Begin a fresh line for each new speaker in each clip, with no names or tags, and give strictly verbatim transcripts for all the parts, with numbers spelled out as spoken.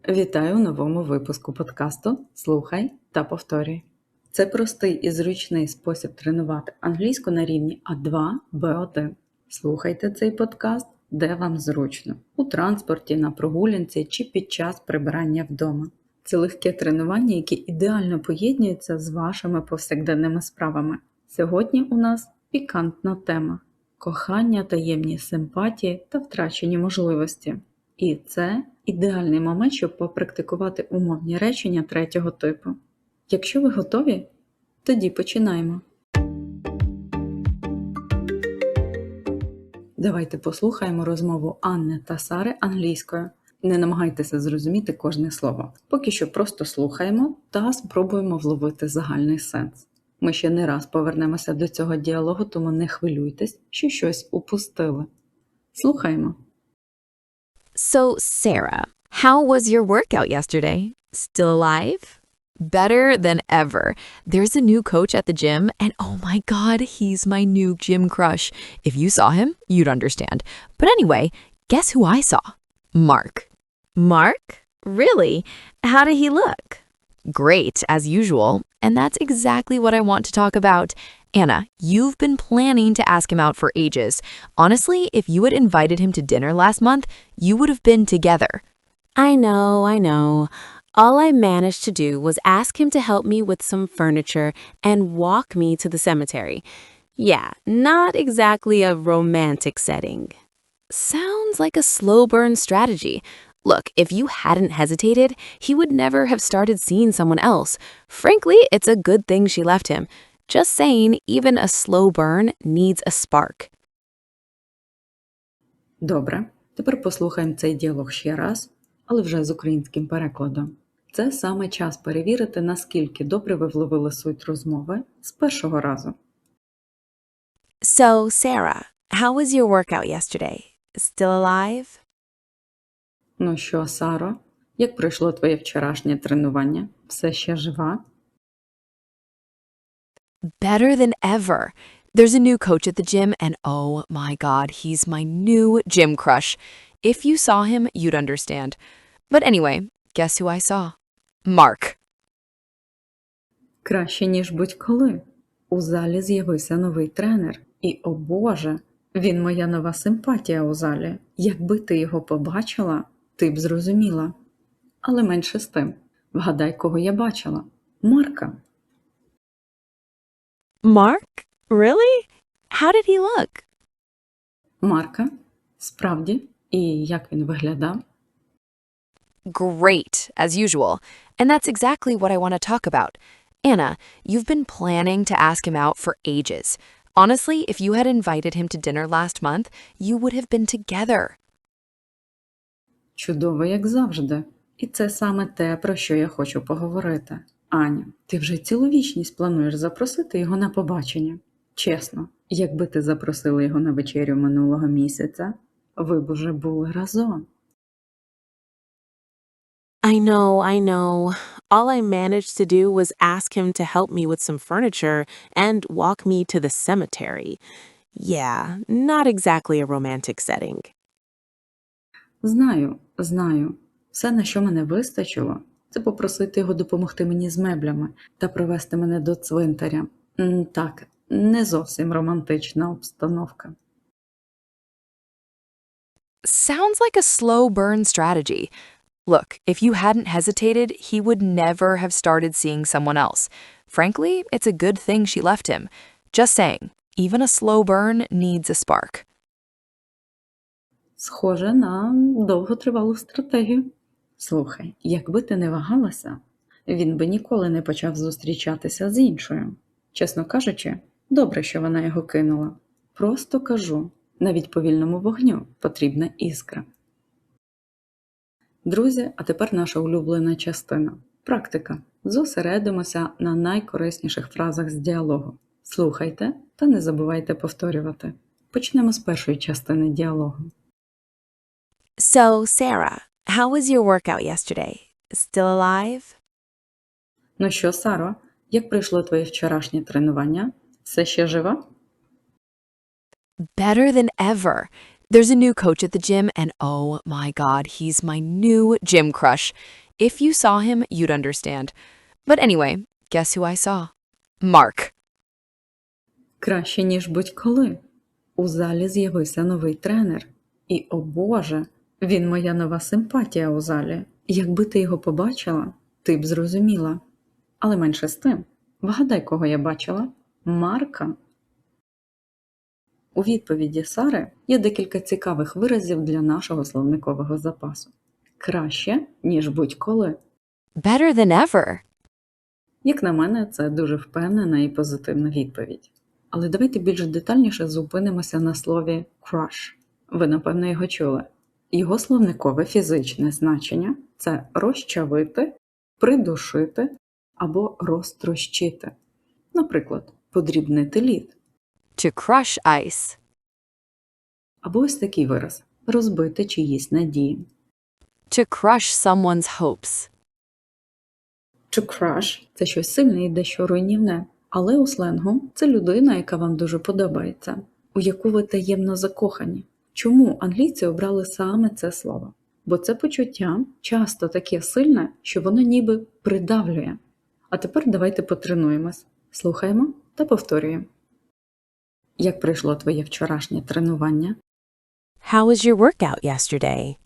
Вітаю у новому випуску подкасту «Слухай та повторюй». Це простий і зручний спосіб тренувати англійську на рівні А два Б один. Слухайте цей подкаст, де вам зручно – у транспорті, на прогулянці чи під час прибирання вдома. Це легке тренування, яке ідеально поєднується з вашими повсякденними справами. Сьогодні у нас пікантна тема – кохання, таємні симпатії та втрачені можливості. І це ідеальний момент, щоб попрактикувати умовні речення третього типу. Якщо ви готові, тоді починаємо. Давайте послухаємо розмову Анни та Сари англійською. Не намагайтеся зрозуміти кожне слово. Поки що просто слухаємо та спробуємо вловити загальний сенс. Ми ще не раз повернемося до цього діалогу, тому не хвилюйтесь, що щось упустили. Слухаємо.
So, Sarah, how was your workout yesterday? Still alive? Better than ever. There's a new coach at the gym, and oh my god, he's my new gym crush. If you saw him, you'd understand. But anyway, guess who I saw? Mark. Mark? Really? How did he look? Great, as usual, and that's exactly what I want to talk about. Anna, you've been planning to ask him out for ages. Honestly, if you had invited him to dinner last month, you would have been together.
I know, I know. All I managed to do was ask him to help me with some furniture and walk me to the cemetery. Yeah, not exactly a romantic setting. Sounds like a slow burn strategy. Look, if you hadn't hesitated, he would never have started seeing someone else. Frankly, it's a good thing she left him. Just saying, even a slow burn needs a spark.
Добре, тепер послухаємо цей діалог ще раз, але вже з українським перекладом. Це саме час перевірити, наскільки добре ви вловили суть розмови з першого разу.
So, Sarah, how was your workout yesterday? Still alive?
Ну що, Саро, як пройшло твоє вчорашнє тренування? Все ще жива?
Better than ever. There's a new coach at the gym, and oh my god, he's my new gym crush. If you saw him, you'd understand. But anyway, guess who I saw? Mark.
Краще, ніж будь-коли. У залі з'явився новий тренер. І, о Боже, він моя нова симпатія у залі. Якби ти його побачила, ти б зрозуміла. Але менше з тим. Вгадай, кого я бачила. Марка.
Mark? Really? How did he look?
Марка? Справді? І як він виглядав?
Great, as usual. And that's exactly what I want to talk about. Anna, you've been planning to ask him out for ages. Honestly, if you had invited him to dinner last month, you would have been together.
Чудово, як завжди. І це саме те, про що я хочу поговорити. Аня, ти вже цілу вічність плануєш запросити його на побачення. Чесно, якби ти запросила його на вечерю минулого місяця, ви б уже були разом.
I know, I know. All I managed to do was ask him to help me with some furniture and walk me to the cemetery. Yeah, not exactly a romantic setting.
Знаю, знаю. Все, на що мене вистачило, це попросити його допомогти мені з меблями та привезти мене до цвинтаря. М, Так, не зовсім романтична обстановка.
Sounds like a slow burn strategy. Look, if you hadn't hesitated, he would never have started seeing someone else. Frankly, it's a good thing she left him. Just saying, even a slow burn needs a spark.
Схоже на довготривалу стратегію. Слухай, якби ти не вагалася, він би ніколи не почав зустрічатися з іншою. Чесно кажучи, добре, що вона його кинула. Просто кажу, навіть повільному вогню потрібна іскра. Друзі, а тепер наша улюблена частина – практика. Зосередимося на найкорисніших фразах з діалогу. Слухайте та не забувайте повторювати. Почнемо з першої частини діалогу.
So, Sarah, how was your workout yesterday? Still alive?
Ну що, Саро, як пройшло твоє вчорашнє тренування? Все ще жива?
Better than ever. There's a new coach at the gym, and oh my god, he's my new gym crush. If you saw him, you'd understand. But anyway, guess who I saw? Mark.
Краще, ніж будь-коли. У залі з'явився новий тренер. І, о Боже, він моя нова симпатія у залі. Якби ти його побачила, ти б зрозуміла. Але менше з тим. Вгадай, кого я бачила? Марка. У відповіді Сари є декілька цікавих виразів для нашого словникового запасу. Краще, ніж будь-коли.
Better than ever.
Як на мене, це дуже впевнена і позитивна відповідь. Але давайте більш детальніше зупинимося на слові crush. Ви, напевно, його чули. Його словникове фізичне значення – це розчавити, придушити або розтрощити. Наприклад, подрібнити лід.
To crush ice.
Або ось такий вираз – розбити чиїсь надії.
To crush someone's hopes.
To crush – це щось сильне і дещо руйнівне. Але у сленгу це людина, яка вам дуже подобається, у яку ви таємно закохані. Чому англійці обрали саме це слово? Бо це почуття часто таке сильне, що воно ніби придавлює. А тепер давайте потренуємось. Слухаємо та повторюємо. Як пройшло твоє вчорашнє тренування?
How was your workout yesterday?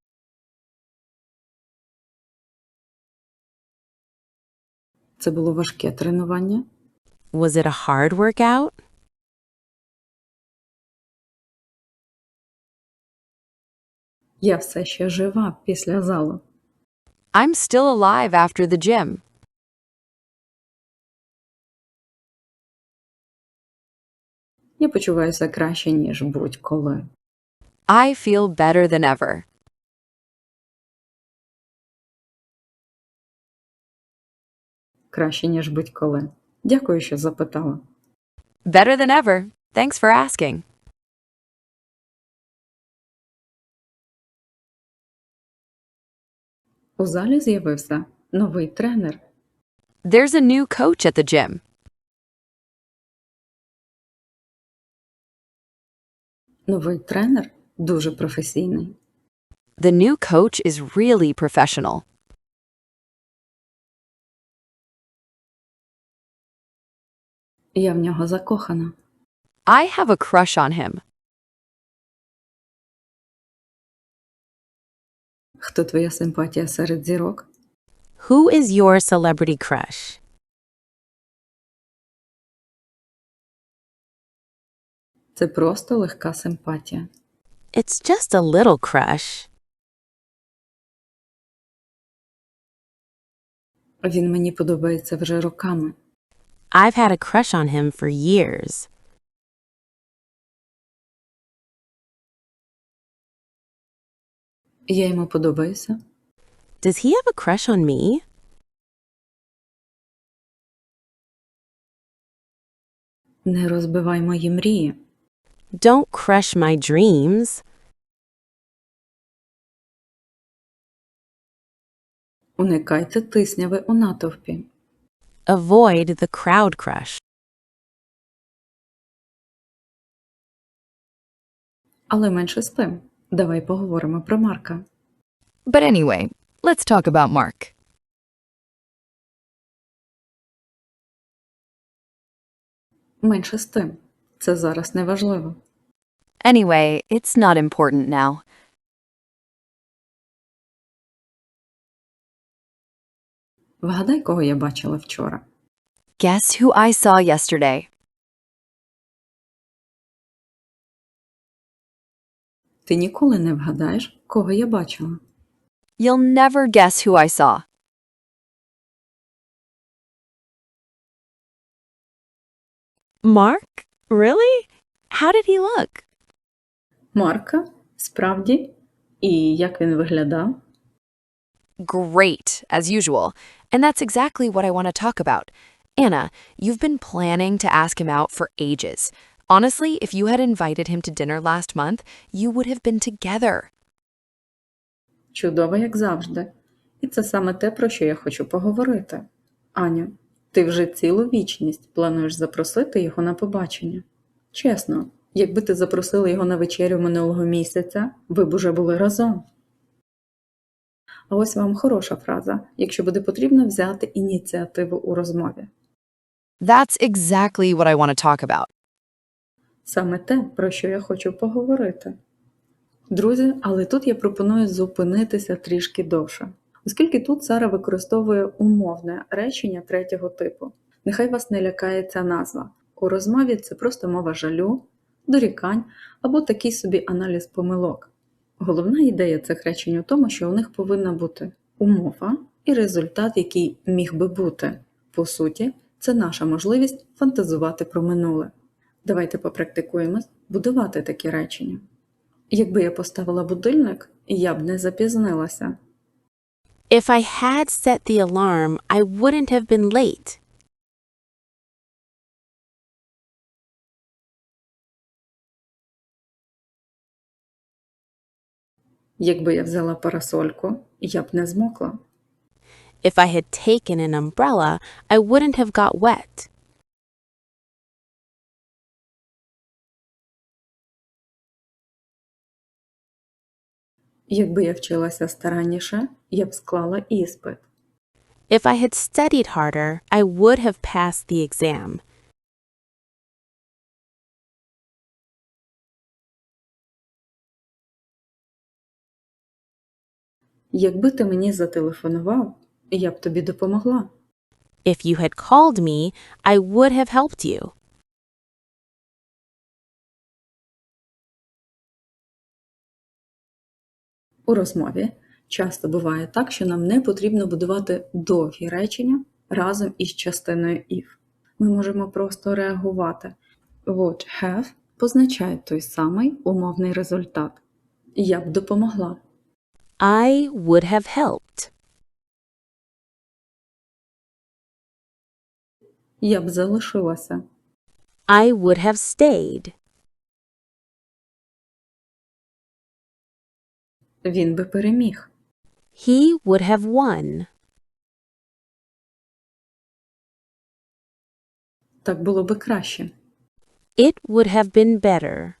Це було важке тренування?
Was it a hard workout?
Я все ще жива після залу.
I'm still alive after the gym.
Я почуваюся краще, ніж будь-коли.
I feel better than ever.
Краще, ніж будь-коли. Дякую, що запитала.
Better than ever. Thanks for asking.
У залі з'явився новий тренер.
There's a new coach at the gym.
Новий тренер дуже професійний.
The new coach is really professional.
Я в нього закохана.
I have a crush on him.
Хто твоя симпатія серед зірок?
Who is your celebrity crush?
Це просто легка симпатія.
It's just a little crush.
Він мені подобається вже роками.
I've had a crush on him for years.
Я йому подобаюся.
Does he have a crush on me?
Не розбивай мої мрії.
Don't crush my dreams.
Уникайте тисняви у натовпі.
Avoid the crowd crush.
Але менше з тим. Давай поговоримо про Марка.
But anyway, let's talk about Mark.
Менше з тим. Це зараз не важливо.
Anyway, it's not important now.
Вгадай, кого я бачила вчора.
Guess who I saw yesterday?
Ти ніколи не вгадаєш, кого я бачила.
You'll never guess who I saw.
Mark? Really? How did he look?
Марка? Справді? І як він виглядав?
Great, as usual. And that's exactly what I want to talk about. Anna, you've been planning to ask him out for ages. Honestly, if you had invited him to dinner last month, you would have been together.
Чудово, як завжди. І це саме те, про що я хочу поговорити. Аню, ти вже цілу вічність плануєш запросити його на побачення. Чесно, Якби ти запросила його на вечерю минулого місяця, ви б уже були разом. А ось вам хороша фраза, якщо буде потрібно взяти ініціативу у розмові.
That's exactly what I want to talk about.
Саме те, про що я хочу поговорити. Друзі, але тут я пропоную зупинитися трішки довше. Оскільки тут Сара використовує умовне речення третього типу. Нехай вас не лякає ця назва. У розмові це просто мова жалю, дорікань або такий собі аналіз помилок. Головна ідея цих речень у тому, що у них повинна бути умова і результат, який міг би бути. По суті, це наша можливість фантазувати про минуле. Давайте попрактикуємось будувати такі речення. Якби я поставила будильник, я б не запізнилася.
If I had set the alarm, I wouldn't have been late.
Якби я взяла парасольку, я б не змокла.
If I had taken an umbrella, I wouldn't have got wet.
Якби я вчилася старанніше, я б склала іспит.
If I had studied harder, I would have passed the exam.
Якби ти мені зателефонував, я б тобі допомогла.
If you had called me, I would have helped you.
У розмові часто буває так, що нам не потрібно будувати довгі речення разом із частиною if. Ми можемо просто реагувати. Would have позначає той самий умовний результат. Я б допомогла.
I would have helped.
Я б залишилася.
I would have stayed.
Він би переміг.
He would have won.
Так було би краще.
It would have been better.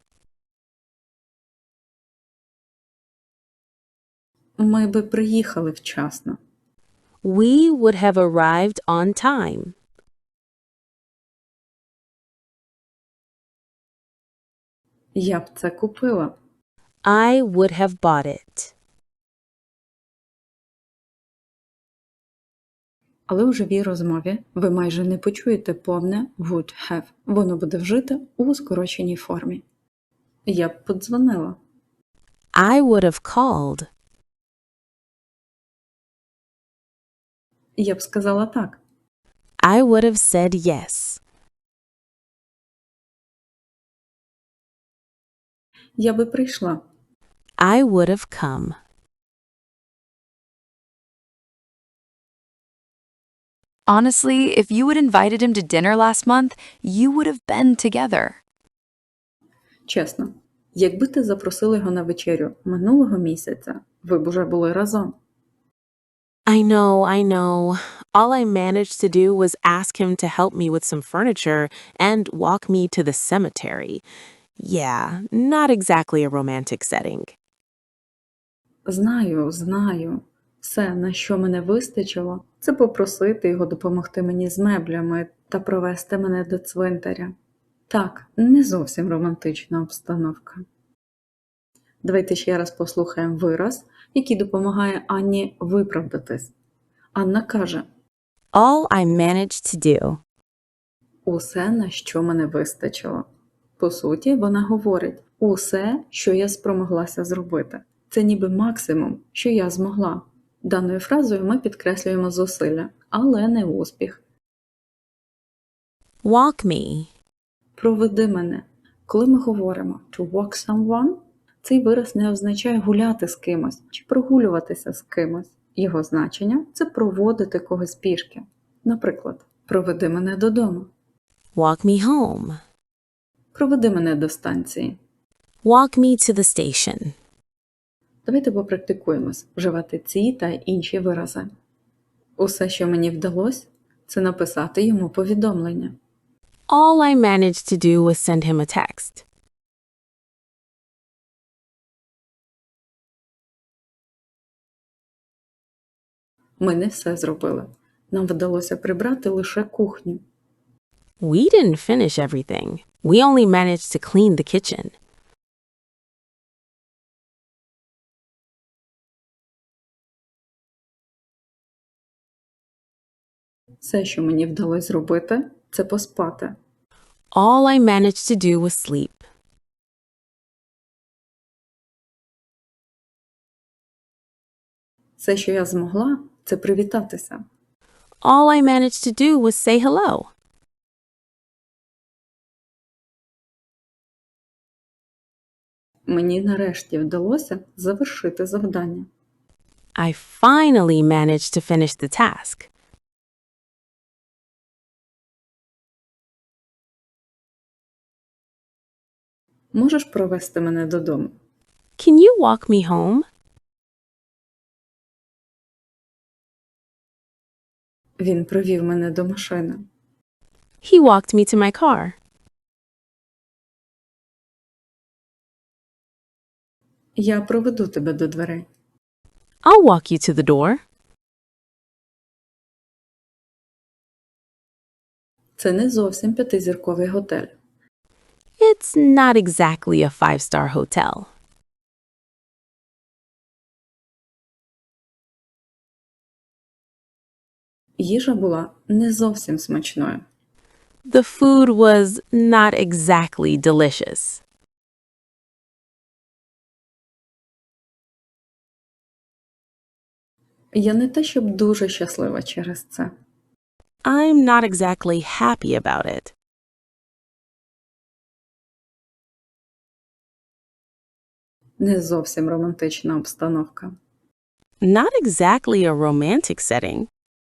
Ми би приїхали вчасно.
We would have arrived on time.
Я б це купила.
I would have bought it.
Але у живій розмові ви майже не почуєте повне would have. Воно буде вжите у скороченій формі. Я б подзвонила.
I would have called.
Я б сказала так.
I would have said yes.
Я би прийшла.
I would have come.
Honestly, if you had invited him to dinner last month, you would have been together.
Чесно, якби ти запросила його на вечерю минулого місяця, ви б уже були разом.
I know, I know. All I managed to do was ask him to help me with some furniture and walk me to the cemetery. Yeah, not exactly a romantic setting.
Знаю, знаю. Все, на що мене вистачило, це попросити його допомогти мені з меблями та провести мене до цвинтаря. Так, не зовсім романтична обстановка. Давайте ще раз послухаємо вираз, який допомагає Анні виправдатись. Анна каже:
All I managed to do.
усе, на що мене вистачило. По суті, вона говорить: усе, що я спромоглася зробити. Це ніби максимум, що я змогла. Даною фразою ми підкреслюємо зусилля, але не успіх.
Walk me.
Проведи мене. Коли ми говоримо to walk someone, цей вираз не означає гуляти з кимось чи прогулюватися з кимось. Його значення – це проводити когось пішки. Наприклад, проведи мене додому.
Walk me home.
Проведи мене до станції.
Walk me to the station.
Давайте попрактикуємось вживати ці та інші вирази. Усе, що мені вдалося, це написати йому повідомлення.
All I managed to do was send him a text.
Ми не все зробили. Нам вдалося прибрати лише кухню.
We didn't finish everything. We only managed to clean the kitchen.
Все, що мені вдалося зробити, це поспати.
All I managed to do was sleep.
Все, що я змогла, це привітатися.
All I managed to do was say hello.
Мені нарешті вдалося завершити завдання.
I finally managed to finish the task.
Можеш провести мене додому?
Can you walk me home?
Він провів мене до машини.
He walked me to my car.
Я проведу тебе до дверей.
I'll walk you to the door.
Це не зовсім п'ятизірковий готель.
It's not exactly a five-star hotel.
Їжа була не зовсім смачною.
The food was not exactly delicious.
Я не те, щоб дуже щаслива через це.
I'm not exactly happy about it.
Не зовсім романтична обстановка.
Not exactly a romantic setting.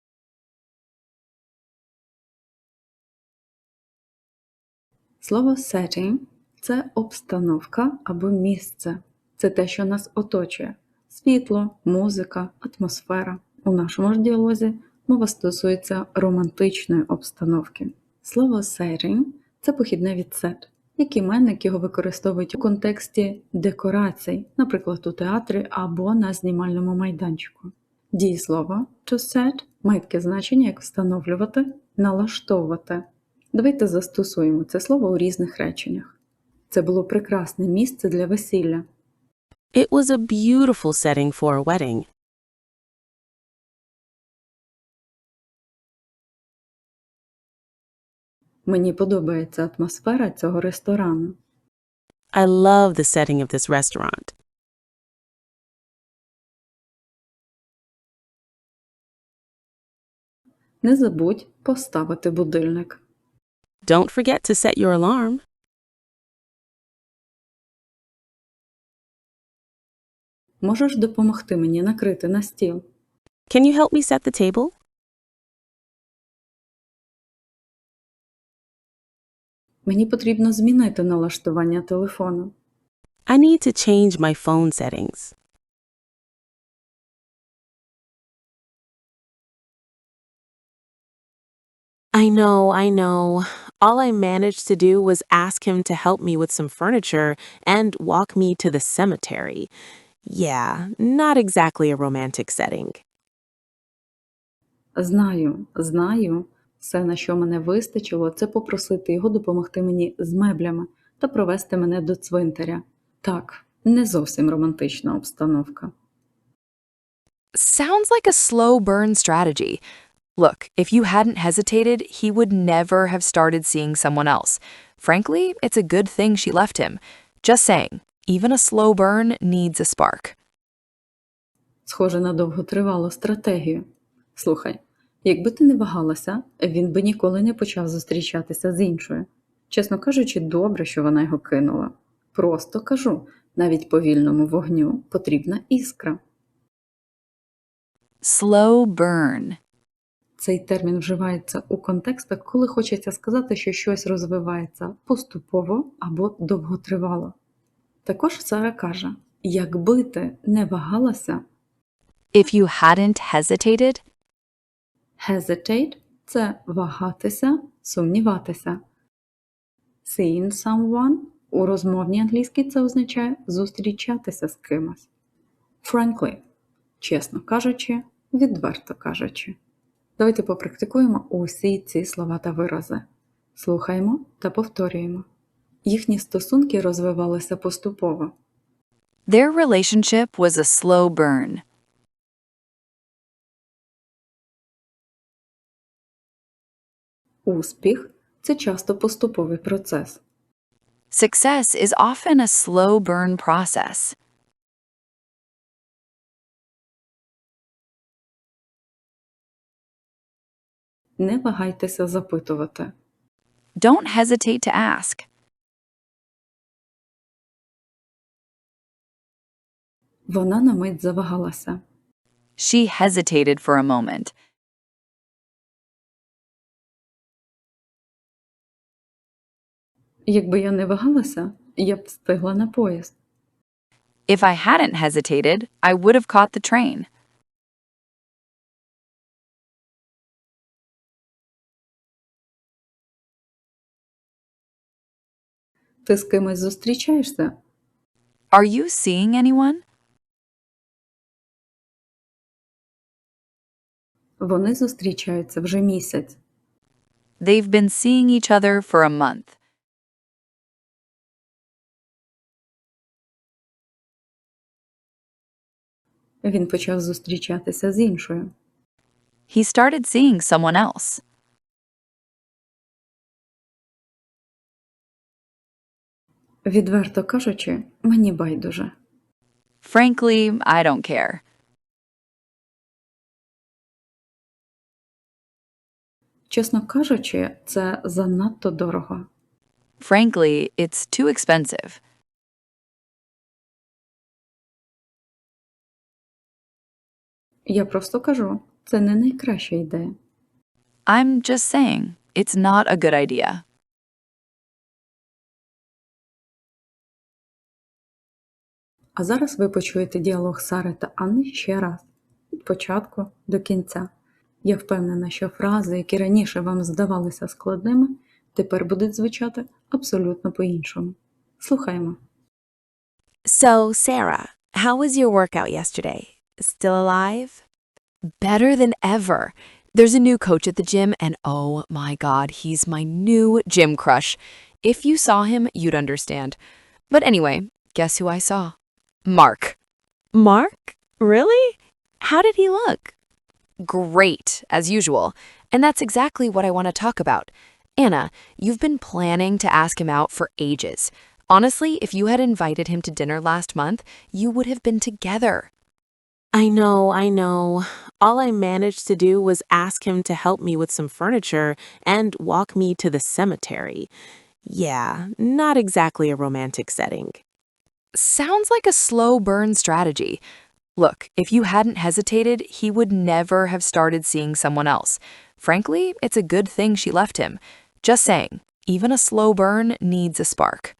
Слово setting – це обстановка або місце. Це те, що нас оточує. Світло, музика, атмосфера. У нашому ж діалозі мова стосується романтичної обстановки. Слово setting – це похідне від set, як іменник його використовують у контексті декорацій, наприклад, у театрі або на знімальному майданчику. Дієслово to set має таке значення, як встановлювати, налаштовувати. Давайте застосуємо це слово у різних реченнях. Це було прекрасне місце для весілля.
It was a beautiful setting for a wedding.
Мені подобається атмосфера цього ресторану.
I love the setting of this restaurant.
Не забудь поставити будильник.
Don't forget to set your alarm.
Можеш допомогти мені накрити на стіл?
Can you help me set the table?
Мені потрібно змінити налаштування телефону.
I need to change my phone settings. I know, I know. All I managed to do was ask him to help me with some furniture and walk me to the cemetery. Yeah, not exactly a romantic setting.
Знаю, знаю. Все, на що мене вистачило, це попросити його допомогти мені з меблями та провести мене до цвинтаря. Так, не зовсім романтична обстановка.
Sounds like a slow burn strategy. Look, if you hadn't hesitated, he would never have started seeing someone else. Frankly, it's a good thing she left him. Just saying, even a slow burn needs a spark.
Схоже на довготривалу стратегію. Слухай, якби ти не вагалася, він би ніколи не почав зустрічатися з іншою. Чесно кажучи, добре, що вона його кинула. Просто кажу, навіть повільному вогню потрібна іскра.
Slow burn.
Цей термін вживається у контекстах, коли хочеться сказати, що щось розвивається поступово або довготривало. Також Сара каже, якби ти не вагалася,
If you hadn't hesitated,
hesitate – це вагатися, сумніватися. Seeing someone у розмовній англійській це означає зустрічатися з кимось. Frankly – чесно кажучи, відверто кажучи. Давайте попрактикуємо усі ці слова та вирази. Слухаємо та повторюємо. Їхні стосунки розвивалися поступово.
Their relationship was a slow burn.
Успіх – це часто поступовий процес.
Success is often a slow burn process.
Не вагайтеся запитувати.
Don't hesitate to ask.
Вона на мить завагалася.
She hesitated for a moment.
Якби я не вагалася, я б встигла на поїзд.
If I hadn't hesitated, I would have caught the train.
Ти з кимось зустрічаєшся?
Are you seeing anyone?
Вони зустрічаються вже місяць.
They've been seeing each other for a month.
Він почав зустрічатися з іншою.
He started seeing someone else.
Відверто кажучи, мені байдуже.
Frankly, I don't care.
Чесно кажучи, це занадто дорого.
Frankly, it's too expensive.
Я просто кажу, це не найкраща ідея.
I'm just saying, it's not a good idea.
А зараз ви почуєте діалог Сари та Анни ще раз, від початку до кінця. Я впевнена, що фрази, які раніше вам здавалися складними, тепер будуть звучати абсолютно по-іншому. Слухаємо.
So, Sarah, how was your workout yesterday? Still alive?
Better than ever. There's a new coach at the gym, and oh my god, he's my new gym crush. If you saw him, you'd understand. But anyway, guess who I saw? Mark.
Mark? Really? How did he look?
Great, as usual. And that's exactly what I want to talk about. Anna, you've been planning to ask him out for ages. Honestly, if you had invited him to dinner last month, you would have been together.
I know, I know. All I managed to do was ask him to help me with some furniture and walk me to the cemetery. Yeah, not exactly a romantic setting.
Sounds like a slow burn strategy. Look, if you hadn't hesitated, he would never have started seeing someone else. Frankly, it's a good thing she left him. Just saying, even a slow burn needs a spark.